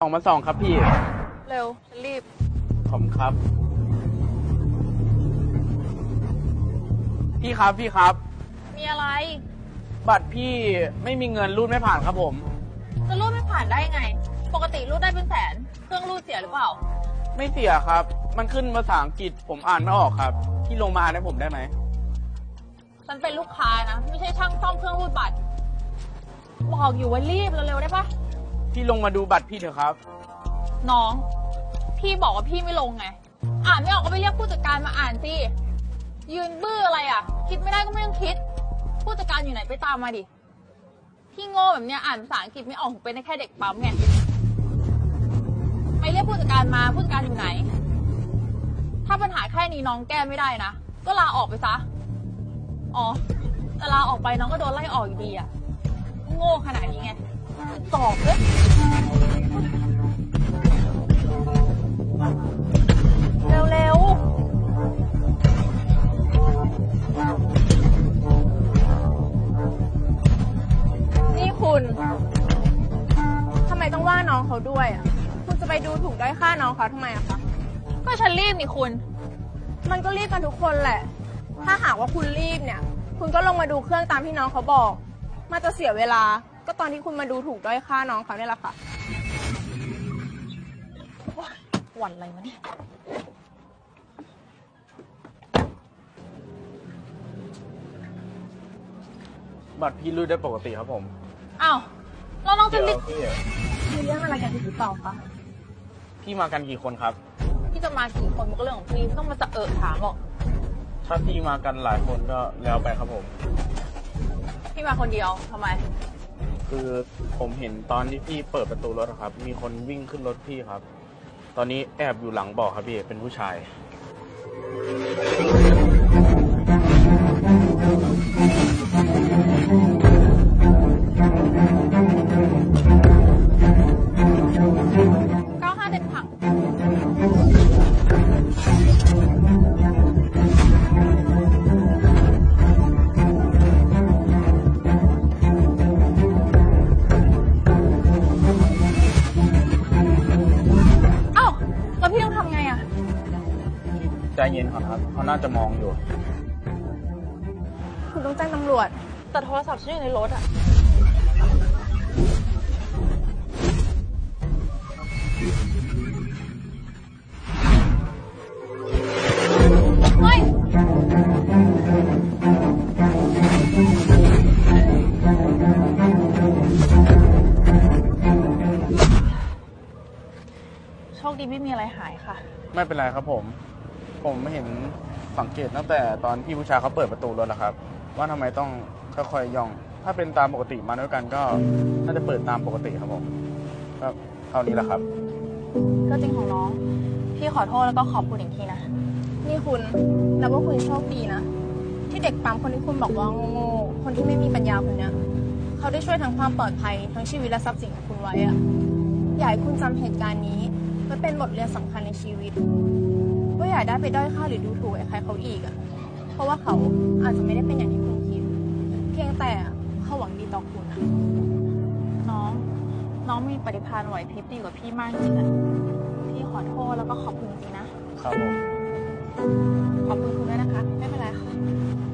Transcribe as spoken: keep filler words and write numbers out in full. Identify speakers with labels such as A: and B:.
A: สองมาสองครับพี่
B: เร็วฉันรีบ
A: ขอบคุณครับพี่ครับพี่ครับ
B: มีอะไร
A: บัตรพี่ไม่มีเงินรูดไม่ผ่านครับผม
B: จะรูดไม่ผ่านได้ไงปกติรูดได้เป็นแสนเครื่องรูดเสียหรือเปล่า
A: ไม่เสียครับมันขึ้นภาษาอังกฤษผมอ่านไม่ออกครับพี่ลงมาให้ผมได้ไหม
B: ฉันเป็นลูกค้านะไม่ใช่ช่างซ่อมเครื่องรูดบัตรบอกอยู่ว่ารีบเร็วๆได้ปะ
A: พี่ลงมาดูบัตรพี่เถอะครับ
B: น้องพี่บอกว่าพี่ไม่ลงไงอ่านไม่ออกก็ไปเรียกผู้จัดการมาอ่านสิยืนบื้ออะไรอ่ะคิดไม่ได้ก็ไม่ต้องคิดผู้จัดการอยู่ไหนไปตามมาดิพี่โง่แบบเนี้ยอ่านภาษาอังกฤษไม่ออกเป็นได้แค่เด็กปั๊มไงไปเรียกผู้จัดการมาผู้จัดการอยู่ไหนถ้าปัญหาแค่นี้น้องแก้ไม่ได้นะก็ลาออกไปซะอ๋อแต่ลาออกไปน้องก็โดนไล่ออกอยู่ดีอ่ะโง่ขนาดนี้ไงตอบเลยเร็วๆนี่คุณ
C: ทำไมต้องว่าน้องเขาด้วยอ่ะคุณจะไปดูถูกด้อยค่าน้องเขาทำไมอะคะ
B: ก็ฉันรีบนี่คุณ
C: มันก็รีบกันทุกคนแหละถ้าหากว่าคุณรีบเนี่ยคุณก็ลงมาดูเครื่องตามที่น้องเขาบอกมันจะเสียเวลาก็ตอนที่คุณมาดูถูกด้อยค่าน้องเขาเนี่ยแหละค่ะ
B: หวั่นอะไรมาเนี่ย
A: บัตรพี่รูดได้ปกติครับผม
B: อ้าวเราต้องจะรีบ
C: มีเรื่องอะไรกันหรือเปล่าคะ
A: พี่มากันกี่คนครับ
B: พี่จะมากี่คนมันก็เรื่องของพี่ไม่ต้องมาจะเอะถามหรอก
A: ถ้าพี่มากันหลายคนก็แล้วไปครับผม
B: พี่มาคนเดียวทำไม
A: คือผมเห็นตอนที่พี่เปิดประตูรถครับมีคนวิ่งขึ้นรถพี่ครับตอนนี้แอบอยู่หลังเบาะครับพี่เป็นผู้ชาย
B: เก้าห้าเด็ดผัก
A: ใจเย็นก่อนครับเขาน่าจะมองอยู่
C: คุณต้องแจ้งตำรวจ
B: แต่โทรศัพท์ฉันอยู่ในรถอ่ะเฮ้ยโชคดีไม่มีอะไรหายค่ะ
A: ไม่เป็นไรครับผมผมเห็นสังเกตตั้งแต่ตอนพี่ผู้ชายเขาเปิดประตูรถแล้วครับว่าทำไมต้องค่อยๆย่องถ้าเป็นตามปกติมาด้วยกันก็น่าจะเปิดตามปกติครับผมก็เท่านี้แหละครับ
B: ก็จริงของน้องพี่ขอโทษแล้วก็ขอบคุณอีกทีนะ
C: นี่คุณแล้วว่าคุณโชคดีนะที่เด็กปั๊มคนที่คุณบอกว่าโง่ๆคนที่ไม่มีปัญญาคนนี้เขาได้ช่วยทั้งความปลอดภัยทั้งชีวิตและทรัพย์สินของคุณไว้อะอยากให้คุณจำเหตุการณ์นี้ไว้เป็นบทเรียนสำคัญในชีวิตว่าอย่าได้ไปด้อยค่าหรือดูถูกใครเขาอีกอ่ะเพราะว่าเขาอาจจะไม่ได้เป็นอย่างที่คุณคิดเพียงแต่เขาหวังดีต่อคุณนะ
B: น้องน้องมีปฏิภาณไหวพริบดีกว่าพี่มากจริงอ่ะพี่ขอโทษแล้วก็ขอบคุณจริงนะครับ
A: ผม
B: ขอบคุณคุณด้วยนะคะไม่เป็นไรค่ะ